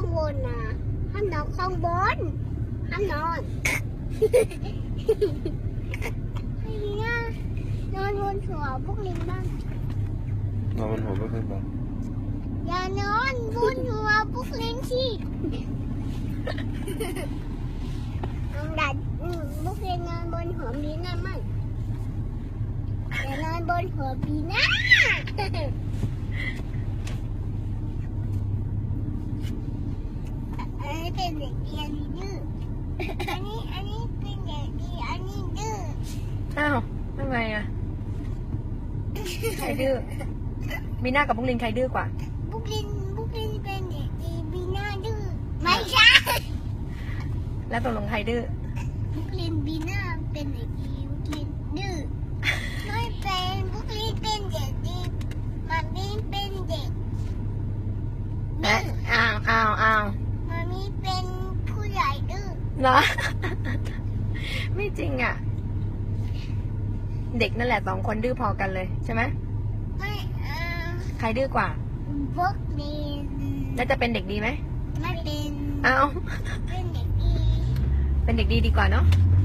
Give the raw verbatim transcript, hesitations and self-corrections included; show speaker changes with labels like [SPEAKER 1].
[SPEAKER 1] างบนนะห้ามนอนข้างบนห้ามนอนไอ้เนี่ยนอนบนหัวพวกลิงบ้าง
[SPEAKER 2] นอนบนหัวก็ขึ้นมา
[SPEAKER 1] อย่านอนบนหัวพวกลิงสิน้องดัดพวกลิงนอนบนหัวบีน่ามั่งอย่านอนบนหัวบีน่าอันนี้เป็นเด็กดีอันนี้ดื้ออันนี้อันนี้เป็นเด็กดีอันนี้ดื้อ
[SPEAKER 3] อ้าวทำไมอ่ะใครดื้อบีน่ากับบุกลินใครดื้อกว่า
[SPEAKER 1] บุกลินบุกลินเป็นเด็กดีบีน่าดื้อไม่ใช่
[SPEAKER 3] แล้วตกลงใครดื้อ
[SPEAKER 1] บุกลินบีน่าเป็นเด็กดีบุกลินดื้อไม่เป็นบุกลินเป็นเด็กดีมันมีเป็นเด็กดื้
[SPEAKER 3] นะ
[SPEAKER 1] อ
[SPEAKER 3] อ้าวอ้าวอ้าว
[SPEAKER 1] มันมีเป็นผู้ใหญ่ดื้อ
[SPEAKER 3] เหรอ ไม่จริงอ่ะ เด็กนั่นแหละสองคนดื้อพอกันเลยใช่ไหม
[SPEAKER 1] ไม่เออ
[SPEAKER 3] ใครดื้อกว่า
[SPEAKER 1] บุกลิน
[SPEAKER 3] แล้วจะเป็นเด็กดีไหม
[SPEAKER 1] ไม่เป็น
[SPEAKER 3] อ้าว
[SPEAKER 1] เป็นเด็กดี
[SPEAKER 3] เป็นเด็กดีดีกว่าเนาะ
[SPEAKER 1] ใ